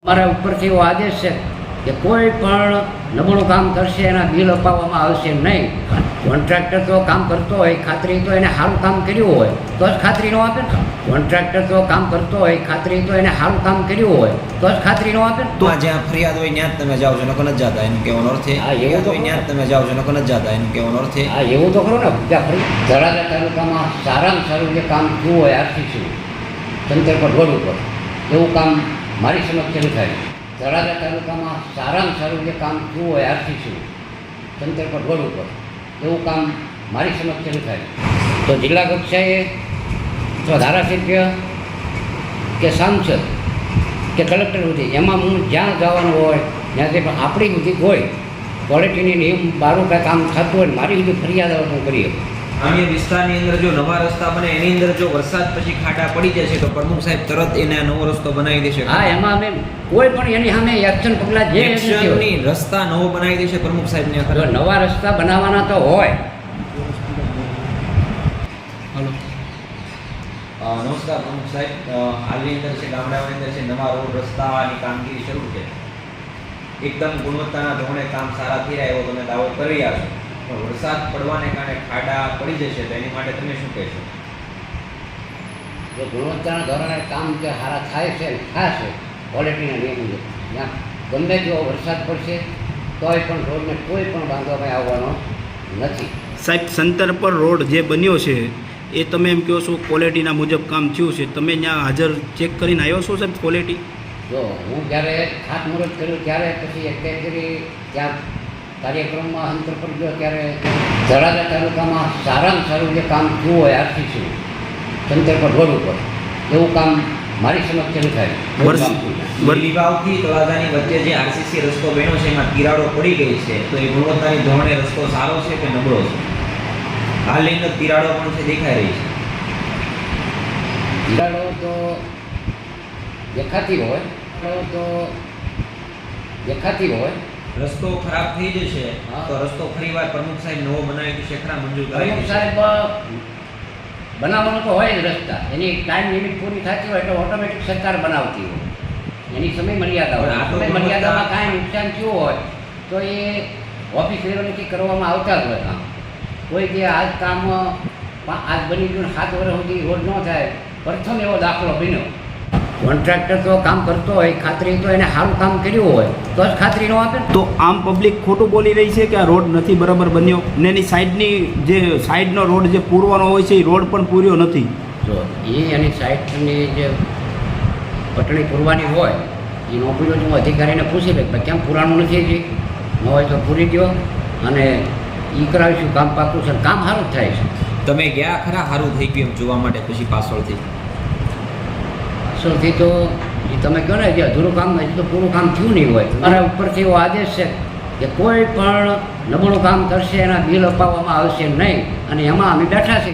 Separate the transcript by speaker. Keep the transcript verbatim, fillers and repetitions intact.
Speaker 1: મારા ઉપરથી એવો આદેશ છે કે કોઈ પણ નબળું કામ કરશે એના બિલ અપાવવામાં આવશે નહીં. કોન્ટ્રાક્ટર તો કામ કરતો હોય, ખાતરી તો એને સારું કામ કર્યું હોય તો જ ખાતરી ન આપે ને. કોન્ટ્રાક્ટર તો કામ કરતો હોય, ખાતરી તો એને સારું કામ કર્યું હોય તો જ ખાતરી ન આપે ને.
Speaker 2: તો જ્યાં ફરિયાદ હોય ત્યાં જ તમે જાઓ છો, નકો નથી જતા એનું કહેવાનો અર્થ છે.
Speaker 1: હા, એવું તો
Speaker 2: ત્યાં જ તમે જાઓ છો, નકો નથી જતા એનું કહેવાનો અર્થ છે.
Speaker 1: હા, એવું તો ખરું ને. ત્યાં ફરી તળાજા તાલુકામાં સારામાં સારું જે કામ થયું હોય આરસીસી તંત્ર પર રોડ ઉપર એવું કામ મારી સમક્ષ થાય. તળાજા તાલુકામાં સારામાં સારું જે કામ થયું હોય આરસીસી તંત્ર પર રોડ ઉપર એવું કામ મારી સમક્ષ થાય તો જિલ્લા કક્ષાએ તો ધારાસભ્ય કે સાંસદ કે કલેક્ટર સુધી એમાં હું જ્યાં જવાનું હોય ત્યાંથી પણ આપણી સુધી હોય ક્વોલિટીની નિયમ બારું કાંઈ કામ થતું હોય મારી સુધી ફરિયાદ આવે હું કરીએ.
Speaker 2: અન્ય વિસ્તારની અંદર જો નવા રસ્તા બને એની અંદર જો વરસાદ પછી ખાડા પડી જશે તો પ્રમુખ સાહેબ તરત એને નવો રસ્તો બનાવી દેશે.
Speaker 1: હા, એમાં અમે કોઈ પણ એની સામે એક્શન પગલાં જે
Speaker 2: એક્શનની રસ્તા નવો બનાવી દેશે પ્રમુખ સાહેબને.
Speaker 1: જો નવા રસ્તા બનાવવાના તો હોય.
Speaker 2: હલો, નમસ્કાર પ્રમુખ સાહેબ. હાલની અંદર છે ગામડાઓની અંદર છે નવા રોડ રસ્તાની કામગીરી શરૂ છે. એકદમ ગુણવત્તાના ધોરણે કામ સારા થઈ રહ્યા એવો તમે દાવો કરી રહ્યા છો, પણ વરસાદ પડવાને કારણે ખાડા પડી જશે તો એની માટે તમે શું કહેશો?
Speaker 1: જો ગુણવત્તાના ધોરણે કામ જે સારા થાય છે થશે ક્વોલિટીના નિયમ મુજબ ત્યાં ગમે તેવો વરસાદ પડશે તોય પણ રોડને કોઈ પણ બાંધવામાં આવવાનો નથી.
Speaker 3: સાહેબ, સંતર પર રોડ જે બન્યો છે એ તમે એમ કહો છો ક્વોલિટીના મુજબ કામ થયું છે, તમે ત્યાં હાજર ચેક કરીને આવ્યો છો સાહેબ ક્વોલિટી?
Speaker 1: જો હું જ્યારે ખાતમુહૂર્ત કર્યું ત્યારે પછી એક કરી ત્યાં કાર્યક્રમમાં અંતર પર ગયો ત્યારે તળાજા તાલુકામાં સારામાં સારું જે કામ થયું હોય આરસીસી તંત્ર પર રોડ ઉપર એવું કામ મારી સમક્ષ થાય.
Speaker 2: લીલીવાવથી તળાજાની વચ્ચે જે આરસીસી રસ્તો બન્યો છે એમાં તિરાડો પડી ગઈ છે તો એ ગુણવત્તાની ધોરણે રસ્તો સારો છે કે નબળો છે? હાલની અંદર તિરાડો પણ છે દેખાઈ રહી છે.
Speaker 1: તિરાડો તો દેખાતી હોય તો દેખાતી હોય
Speaker 2: રસ્તો ખરાબ થઈ જશે તો રસ્તો ફરીવાર પ્રમુખ સાહેબ નવો બનાવી દેશે, ખરા મંજૂર કરાવી
Speaker 1: પ્રમુખ
Speaker 2: દેશે?
Speaker 1: સાહેબ બનાવવાનો તો હોય જ રસ્તા, એની ટાઈમ લિમિટ પૂરી થતી હોય એટલે ઓટોમેટિક સરકાર બનાવતી હોય, એની સમય મર્યાદા હોય. સમય મર્યાદામાં કાંઈ નુકસાન થયું હોય તો એ ઓફિસ લેવલથી કરવામાં આવતા જ હોય કામ. કોઈ જે આજ કામ આજ બની ગયું સાત વર્ષ સુધી રોડ ન થાય, પ્રથમ એવો દાખલો બન્યો. કોન્ટ્રાક્ટર તો કામ કરતો હોય, ખાતરી તો એને સારું કામ કર્યું હોય તો જ ખાતરી ન આપે.
Speaker 3: તો આમ પબ્લિક ખોટું બોલી રહી છે કે આ રોડ નથી બરાબર બન્યો ને એની સાઈડની જે સાઈડનો રોડ જે પૂરવાનો હોય છે એ રોડ પણ પૂર્યો નથી.
Speaker 1: જો એ એની સાઈડની જે પટણી પૂરવાની હોય એ નોકરીઓ હું અધિકારીને પૂછી લે કેમ પુરાણું નથી હજી, ન હોય તો પૂરી દો અને એ કરાવીશું કામ પાકું છે, કામ સારું જ થાય છે.
Speaker 2: તમે ગયા ખરા સારું થઈ ગયું એમ જોવા માટે પછી પાછળથી?
Speaker 1: પાછળથી તો એ તમે કહો ને જે અધૂરું કામ હજી તો પૂરું કામ થયું નહીં હોય. મારા ઉપરથી એવો આદેશ છે કે કોઈ પણ નબળું કામ કરશે એના બિલ અપાવવામાં આવશે નહીં અને એમાં અમે બેઠા છીએ.